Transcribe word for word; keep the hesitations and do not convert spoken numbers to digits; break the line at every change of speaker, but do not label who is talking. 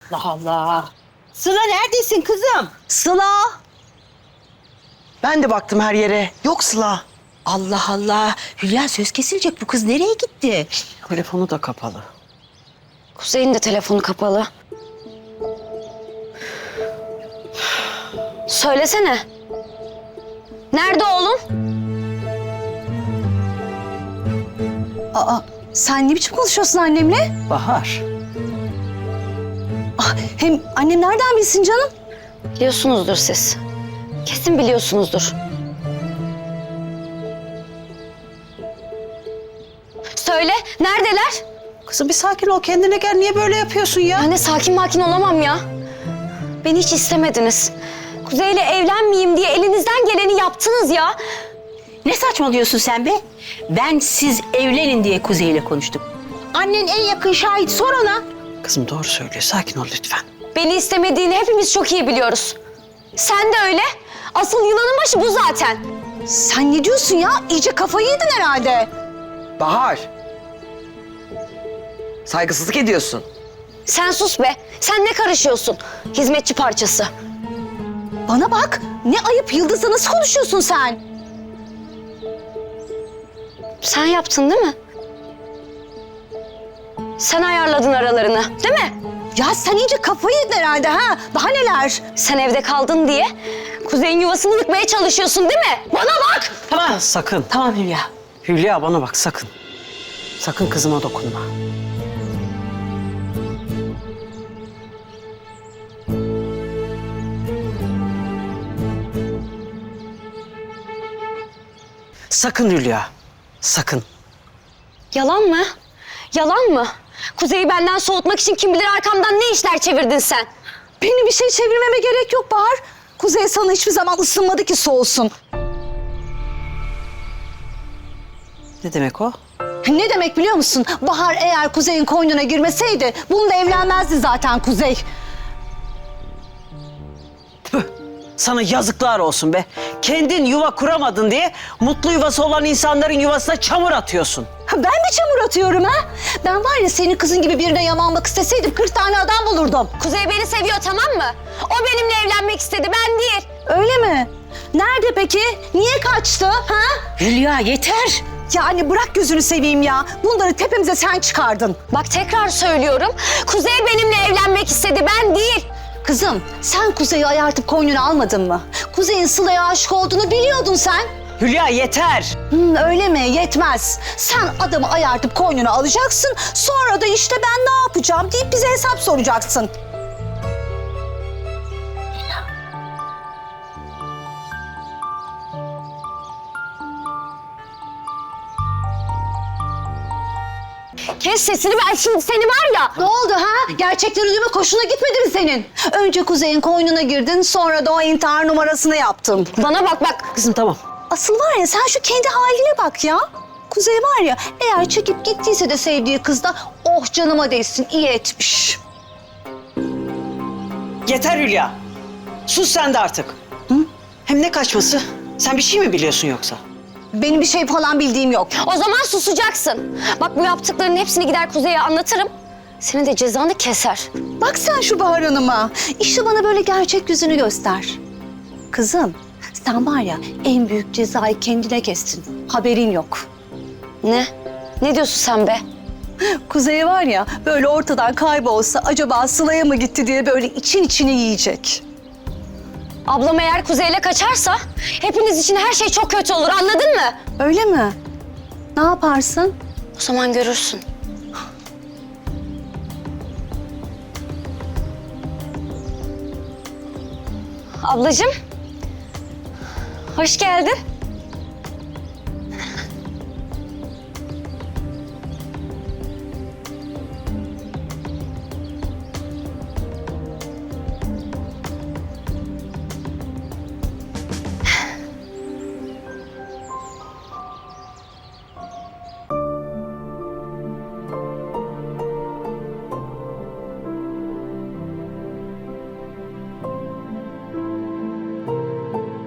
Allah Allah. Sıla neredesin kızım?
Sıla!
Ben de baktım her yere. Yok Sıla.
Allah Allah. Hülya söz kesilecek. Bu kız nereye gitti?
Telefonu da kapalı.
Kuzey'in de telefonu kapalı. Söylesene. Nerede oğlum?
Aa, sen ne biçim konuşuyorsun annemle?
Bahar.
Ah, hem annem nereden bilsin canım?
Biliyorsunuzdur siz. Kesin biliyorsunuzdur. Söyle, neredeler?
Kızım bir sakin ol. Kendine gel. Niye böyle yapıyorsun ya?
Anne sakin makin olamam ya. Beni hiç istemediniz. Kuzey'le evlenmeyeyim diye elinizden geleni yaptınız ya.
Ne saçmalıyorsun sen be? Ben siz evlenin diye Kuzey'le konuştum. Annen en yakın şahit, sor ona.
Kızım doğru söylüyor. Sakin ol lütfen.
Beni istemediğini hepimiz çok iyi biliyoruz. Sen de öyle. Asıl yılanın başı bu zaten.
Sen ne diyorsun ya? İyice kafayı yedin herhalde.
Bahar. Saygısızlık ediyorsun.
Sen sus be. Sen ne karışıyorsun? Hizmetçi parçası.
Bana bak, ne ayıp Yıldız'la nasıl konuşuyorsun sen?
Sen yaptın değil mi? Sen ayarladın aralarını, değil mi?
Ya sen iyice kafayı yedin herhalde ha? Daha neler?
Sen evde kaldın diye Kuzey'in yuvasını yıkmaya çalışıyorsun değil mi? Bana bak!
Tamam. Sakın.
Tamam Hülya.
Hülya bana bak sakın. Sakın kızıma dokunma. Sakın Hülya. Sakın.
Yalan mı? Yalan mı? Kuzey'i benden soğutmak için kim bilir arkamdan ne işler çevirdin sen?
Benim bir şey çevirmeme gerek yok Bahar. Kuzey sana hiçbir zaman ısınmadı ki soğusun.
Ne demek o?
Ne demek biliyor musun? Bahar eğer Kuzey'in koynuna girmeseydi bununla evlenmezdi zaten Kuzey.
Tüh, sana yazıklar olsun be. Kendin yuva kuramadın diye mutlu yuvası olan insanların yuvasına çamur atıyorsun.
Ha, ben mi çamur atıyorum ha? Ben var ya senin kızın gibi birine yamanmak isteseydim kırk tane adam bulurdum.
Kuzey beni seviyor tamam mı? O benimle evlenmek istedi ben değil.
Öyle mi? Nerede peki? Niye kaçtı ha?
Hülya yeter.
Yani bırak gözünü seveyim ya. Bunları tepemize sen çıkardın.
Bak tekrar söylüyorum. Kuzey benimle evlenmek istedi ben değil.
Kızım sen Kuzey'i ayartıp koynuna almadın mı? Kuzey'in Sıla'ya aşık olduğunu biliyordun sen.
Hülya yeter.
Hmm, öyle mi? Yetmez. Sen adamı ayartıp koynuna alacaksın. Sonra da işte ben ne yapacağım deyip bize hesap soracaksın.
Kes sesini ben şimdi seni var ya.
Ne oldu ha? Gerçekleri duymak hoşuna gitmedi mi senin? Önce Kuzey'in koynuna girdin, sonra da o intihar numarasını yaptın.
Bana bak bak.
Kızım tamam.
Asıl var ya sen şu kendi haline bak ya. Kuzey var ya eğer çekip gittiyse de sevdiği kız da oh canıma değsin iyi etmiş.
Yeter Hülya. Sus sen de artık. Hı? Hem ne kaçması? Sen bir şey mi biliyorsun yoksa?
Benim bir şey falan bildiğim yok.
O zaman susacaksın. Bak bu yaptıklarının hepsini gider Kuzey'e anlatırım. Senin de cezanı keser.
Bak sen şu Bahar Hanım'a. İşte bana böyle gerçek yüzünü göster. Kızım sen var ya en büyük cezayı kendine kestin. Haberin yok.
Ne? Ne diyorsun sen be?
Kuzey var ya böyle ortadan kaybolsa acaba Sıla'ya mı gitti diye böyle için içine yiyecek.
Ablam eğer Kuzey'le kaçarsa hepiniz için her şey çok kötü olur anladın mı?
Öyle mi? Ne yaparsın?
O zaman görürsün. Ablacığım. Hoş geldin.